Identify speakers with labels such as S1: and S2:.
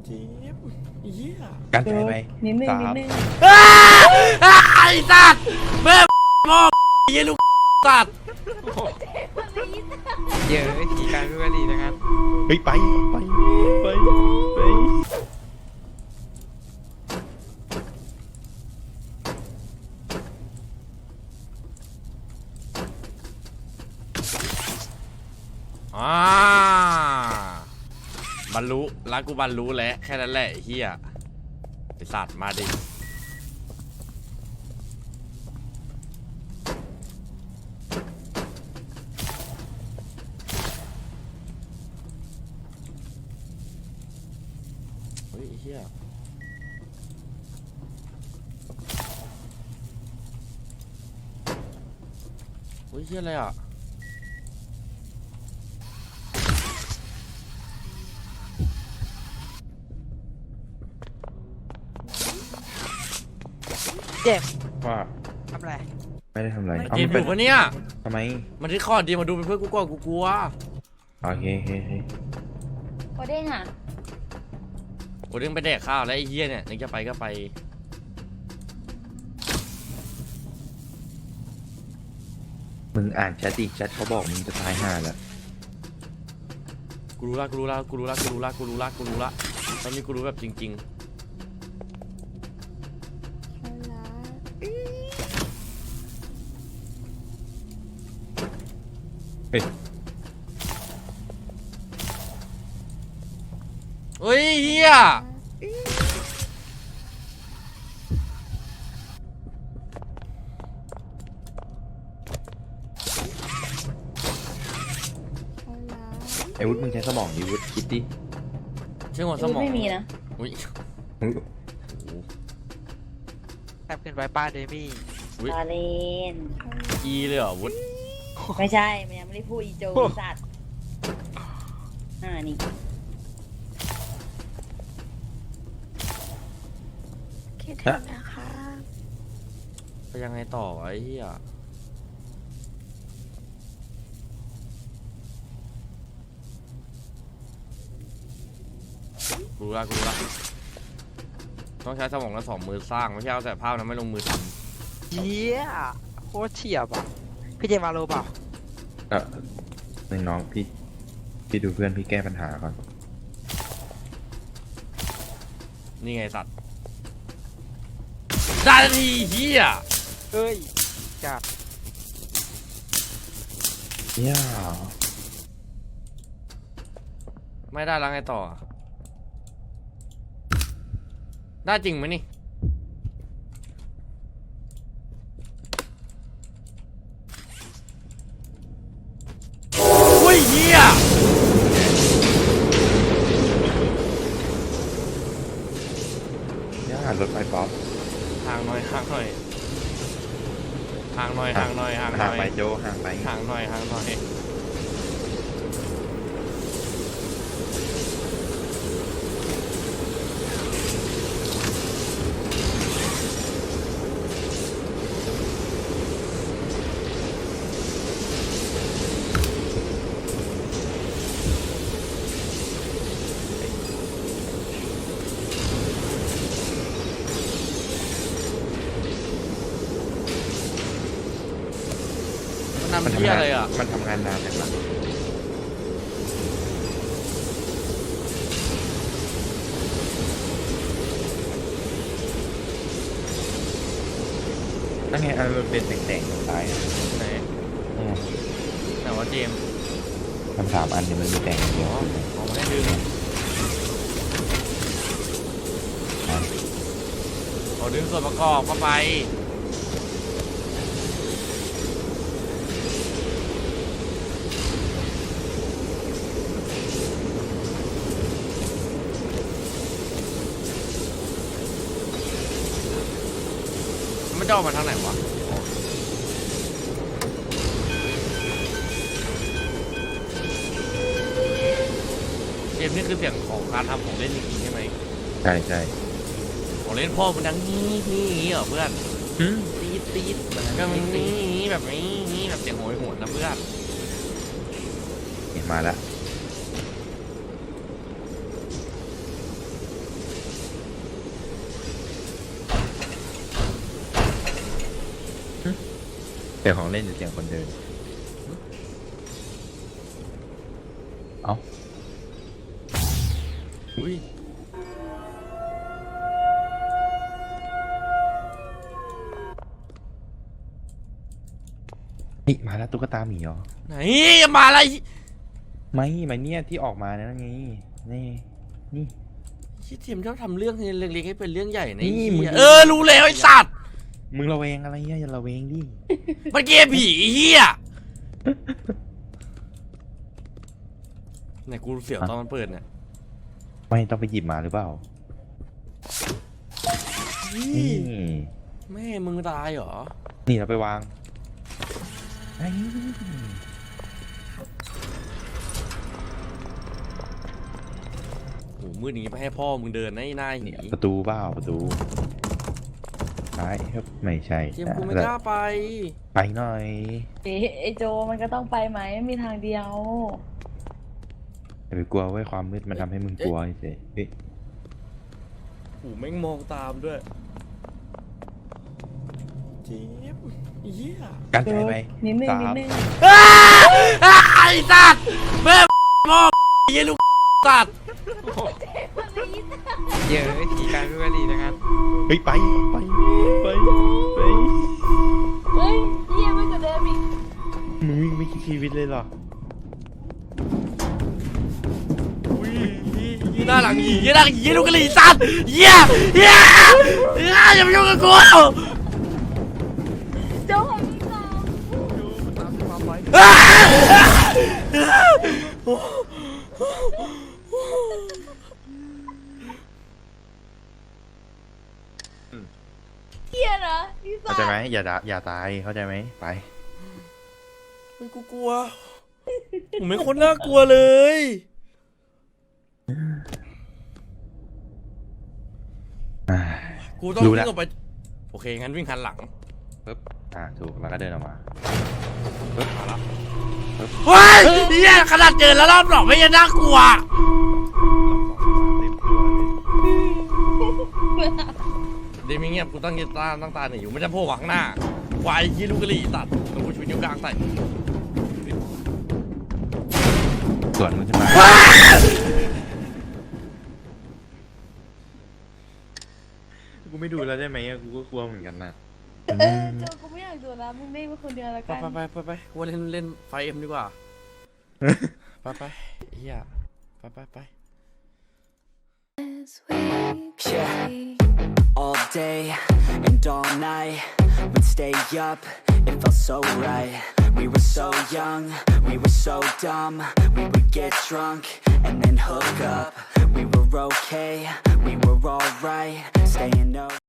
S1: จี๊บเหี้ย
S2: กันใจไป
S3: นิดนึง
S2: สา
S3: นิด
S2: ม
S3: นึง
S1: ไอ้สัตว์แม่พ่อเหี้ยลูกสัตว์
S4: เยอะขี่การไม่ว่าดีนะครับ
S2: เฮ้ยไป
S1: บรรลุรักกูบรรลุแล้วแค่นั้นแหละไอ้เหี้ยไอ้สัตว์มาดิเฮ้ยไอ้เหี้ยเฮ้ยเหี้ยอะไรอ่ะ
S4: เจ็บ
S2: ว่า
S4: ทำไร
S2: ไม่ได้ทำอะไร
S1: เกมถูกปะเนี่ย
S2: ทำไม
S1: มันที่คอร์ดดีมาดูเป็นเพื่อนกูก่อนกูกลัว
S2: โอเค
S3: โอเด้งอ่ะ
S1: โอ้เรื่องไปแดกข้าวแล้วไอ้เหี้ยเนี่ยนึกจะไปก็ไป
S2: มึงอ่านแชทดิแชทเขาบอกมึงจะตายห่าแล้ว
S1: กูรู้ละตอนนี้กูรู้แบบจริงๆ
S2: เฮ้ย
S1: เฮ้ยเฮีย
S2: ไอ้วุฒิมึงใช้สมองดิวุฒิคิดดิ
S1: เชื่อหัวสมอง
S3: ไม่มีนะ
S1: อุ้ย
S4: แทบขึ้นไปป้าเดมี่
S1: อุ้ย
S3: ตาเลน
S1: อีเลยเหรอวุฒ
S3: ไม่ใช่มันยังไม่ได้พูดอีโจสัตว์นี่
S5: คิดถึงนะคะ
S1: ไปยังไงต่อไอ้เฮียกูรู้ละต้องใช้สมองและสองมือสร้างไม่ใช่เอาแต่ภาพนะไม่ลงมือท
S4: เยี่ยโคตรเฉียบอ่ะพี่เจมาโลเปล่า
S2: น้องพี่ดูเพื่อนพี่แก้ปัญหาก่อน
S1: ำนี่ไงสัตว์ได้ทันทีเฮีย
S4: เอ้ยจัด
S2: ย่า
S1: ไม่ได้แล้วไงต่อได้จริงไหมนี่อุ้ยเฮีย
S2: ย่ารถไฟป๊อป
S1: ห่างหน่อยห่างไป
S2: โจห่างไป
S1: ห่างหน่อยมันทำเหี้ยอะไรอ่ะ
S2: มันทำงานนานจังวะนั่นไงมันเป็นแต่งๆตรงซ้าย
S1: ไหน
S2: อืม
S1: แต่ว่าเจมส์
S2: มัน3 อันเนี่ยมันมีแต่งอย่างเดี
S1: อ๋
S2: ยว
S1: อเอามาให้ดึงเอาดึงส่วนประกอบเข้าไปมันจะออกมาทางไหนวะเกมนี่คือเสียงของการทำของเล่นจริงๆใช่ไหม
S2: ใช่
S1: ของเล่นพ่อมันดังนี่เหรอเพื่อนตีดก็มันนี่แบบนี้แบบเสียงโหยหวนนะเพื่อน
S2: เห็นมาแล้วเสียงของเล่นหรือเสียงคนเดิน เอ้า
S1: อุ้ย
S2: นี่มาแล้วตุ๊กตาหมีเหรอ
S1: ไหนมาอะไร
S2: ไม่เนี่ยที่ออกมานั่นไงนี่นี่
S1: ที่ทีมชอบทำเรื่องเล็กๆให้เป็นเรื่องใหญ่นะ
S2: นี่
S1: ไอ้
S2: มึง
S1: เหี้ยรู้แล้วไอ้สัตว์
S2: มึงระแวงอะไรเนี่ยอย่าระแวงดิ
S1: มันเกมผีไอ้เหี้ยไหนกูเสียวตอนมันเปิดเนี่ย
S2: ไม่ต้องไปหยิบมาหรือเปล่า นี่
S1: แม่มึงตายเหรอ
S2: นี่เราไปวางไอ้
S1: โหมืดอย่างงี้ไปให้พ่อมึงเดินนะไอ้นายหนี
S2: เนี่ยประตูเปล่าประตูซ้ายครับไม่ใช่
S1: เกมกูไม่กล้าไป
S2: ไปหน่อย
S3: ไอโจมันก็ต้องไปไหมไม่มีทางเดียว
S2: อย่าไปกลัวไว้ยความมืดมันทำให้มึงกลัวเฉยเฮ้ย
S1: โหแม่งมองตามด้วยเจ็บเหี้ย
S2: กันใจไป
S3: นิดนึง
S2: สา
S3: นิด
S2: ม
S3: นึง
S1: ไอ้สัตว์แม่พ่อเหี้ยลูกสัตว์
S4: เยอะไอ้ผีกลายเป็นวลีนะครับ
S2: เฮ้ยไปไป
S3: เฮ้ยเยี่ยมไม่กว่าเดิมอีก
S2: มึงวิ่งไม่คิดชีวิตเลยเหรอ
S1: อุ้ยยี่หน้าหลังหียี่หน้าหลังหีลูกกะหรี่สัตว์เหี้ยอย่ามายุ่งกับกู
S3: โจของพี่สาว เฮียนะพี่สา
S2: เข้าว ใจไหมอย่าตายเข้าใจไหมไป
S1: ไม่กูกลัวผมไม่คนน่ากลัวเลย กูต้อง
S2: รู้
S1: วิ่
S2: แล้ว
S1: งออกไปโอเคงั้นวิ่งหันหลัง
S2: ปึ๊บถูกแล้วก็เดินออกมา
S1: เฮ้ยเนี่ยขนาดเจอแล้วรอบหลอกไม่ยังน่ากลัวเดมิเงียบกูตั้งตาหนีอยู่ไม่จะโผล่หวังหน้าควายยี่ลูกกะหรี่ตัดต้องกูชูนิ้วกลางใส่
S2: ส่วนมึงขึ้นมากูไม่ดูแล้วได้ไหมกูก็กลัวเหมือนกันนะ
S3: โจกูไม่อยากดูแล้วมึงเล่นมาคนเดียวแล้ว
S1: ไป
S3: กัน
S1: ไปกูว่าเล่นไฟเอ็มดีกว่าไปเฮียไป
S6: Yeah, all day and all night, we'd stay up, it felt so right. We were so young, we were so dumb, we would get drunk and then hook up. We were okay, we were alright, staying up.